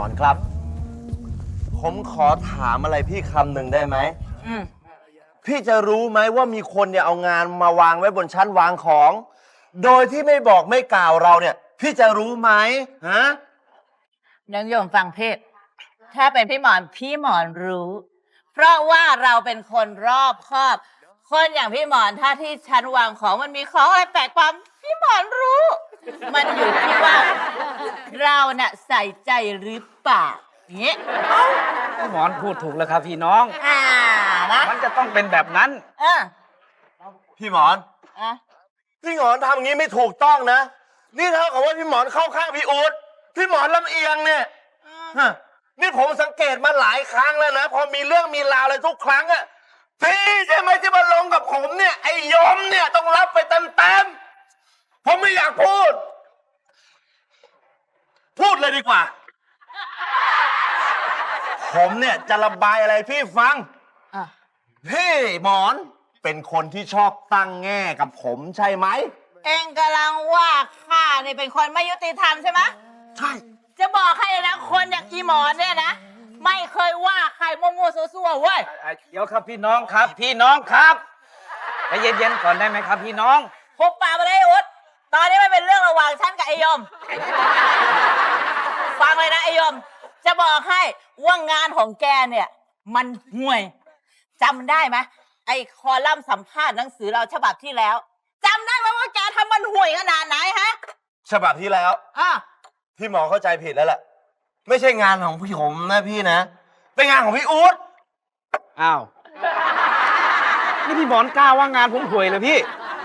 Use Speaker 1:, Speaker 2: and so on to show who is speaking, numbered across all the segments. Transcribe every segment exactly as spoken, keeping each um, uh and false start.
Speaker 1: อนครับผมขอถามอะไรพี่คำหนึ่งได้ไหมพี่จะรู้ไหมว่ามีคนเนี่ยเอางานมาวางไว้บนชั้นวางของ โดยที่ไม่บอกไม่กล่าวเราเนี่ยพี่จะรู้ไหมฮะ
Speaker 2: น้องโยมฟังเพศถ้าเป็นพี่หมอนพี่หมอนรู้ เพราะว่าเราเป็นคนรอบคอบ คนอย่างพี่หมอนถ้าที่ชั้นวางของมันมีของอะไรแปลกความพี่หมอนรู้ มันอยู่ที่ว่าเราเนี่ยใส่ใจหรือเปล่าเงี้ย
Speaker 3: พี่หมอนพูดถูกแล้วครับพี่น้อง
Speaker 2: อ่านะ
Speaker 3: มันจะต้องเป็นแบบนั้น
Speaker 2: เออ
Speaker 1: พี่หมอน
Speaker 2: อ่ะ
Speaker 1: พี่หมอนทำอย่างนี้ไม่ถูกต้องนะนี่เท่ากับว่าพี่หมอนเข้าข้างพี่อู๊ดพี่หมอนลำเอียงเนี่ยนี่ผมสังเกตมาหลายครั้งแล้วนะพอมีเรื่องมีราวอะไรทุกครั้งอะพี่ใช่ไหมที่มาลงกับผมเนี่ยไอ้ยมเนี่ยต้องรับไปเต็มๆผมไม่อยากพูด พูดเลยดีกว่า ผมเนี่ยจะระบายอะไรพี่ฟังพี่หมอนเป็นคนที่ชอบตั้งแง่กับผมใช่ไหม
Speaker 2: เองกำลังว่าข้านี่เป็นคนไม่ยุติธรรมใช่ไหม
Speaker 1: ใช่
Speaker 2: จะบอกให้นะคนอย่างอีหมอนเนี่ยนะไม่เคยว่าใครมั่วๆซั่วๆเว้ย
Speaker 3: เดี๋ยวครับพี่น้องครับพี่น้องครับใจเย็นๆก่อนได้ไหมครับพี่น้อง
Speaker 2: หุบปากไปเลยอุดตอนนี้ไม่เป็นเรื่องระหว่างฉันกับไอยมฟังเลยนะไอยมจะบอกให้ว่างานของแกเนี่ยมันห่วยจำได้ไหมไอคอลัมน์สัมภาษณ์หนังสือเราฉบับที่แล้วจำได้ไหมว่าแกทำมันห่วยขนาดไหนฮะ
Speaker 1: ฉบับที่แล้ว
Speaker 2: อ่ะ
Speaker 1: พี่หมอเข้าใจผิดแล้วแหละไม่ใช่งานของพี่ผมนะพี่นะเป็นงานของพี่อู๊ด
Speaker 3: อ้าวนี่พี่หมอนกล้าว่างานผมห่วยเลยพี่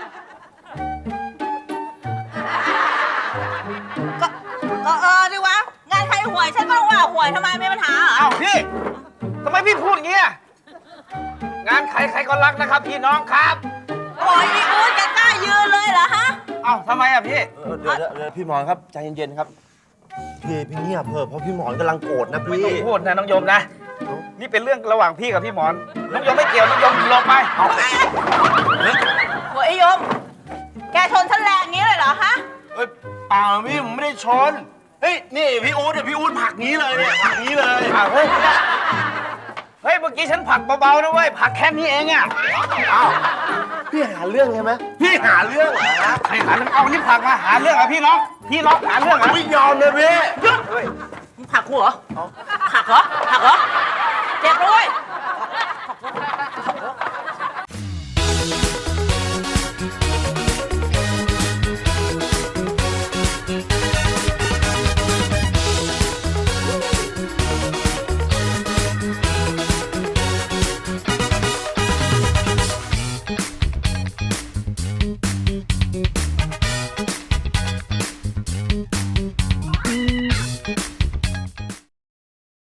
Speaker 2: ก็เออดิวะงานใครห่วยฉันก็ต้องว่าห่วยทำไมมีปัญหาเหรอ
Speaker 3: อ้าวพี่ทำไมพี่พูดอย่างเงี้ยงานใครใครก็รักนะครับพี่น้องครับ
Speaker 2: โอ้ยพี่อู๊ดแกกล้ายืนเลยเหรอฮะ
Speaker 3: อ้าวทำไมอ่ะพี่
Speaker 1: เดี๋ยวเดี๋ยวพี่หมอนครับใจเย็นๆครับพี่พี่เงียบเถอะเพราะพี่หมอนกำลังโกรธนะพี่
Speaker 3: ไม่ต้องพูดนะน้องโยมนะนี่เป็นเรื่องระหว่างพี่กับพี่หมอนน้องโยมไม่เกี่ยวน้องโยมลงไปเอา
Speaker 2: โอ้ยโยมแกชนฉันแรงงี้เลยเหรอฮะ
Speaker 1: เอ้ยเปล่าพี่ผมไม่ได้ชนเฮ้ยนี่พี่อู๊ดเนี่ยพี่อู๊ดผลักงี้เลยเนี่ยผลักงี้เลย
Speaker 3: อ้าวเฮ้ยเฮ้ยเมื่อกี้ฉันผลักเบาๆนะเว้ยผลักแค่นี้เองอ่ะ
Speaker 1: อ้าวพี่หาเรื่องใช่ไหมพี่หาเรื่องเหรอ
Speaker 3: ใครหาเรื่องเอานี่ผลักมาหาเรื่องเหรอพี่น้องพี่น้องหาเรื่องเหรอ
Speaker 1: ไม่ยอมเลยพี่
Speaker 2: หยุดมึงผลักกูเหรอผลักเหรอผลักเหรอเจ็บด้วย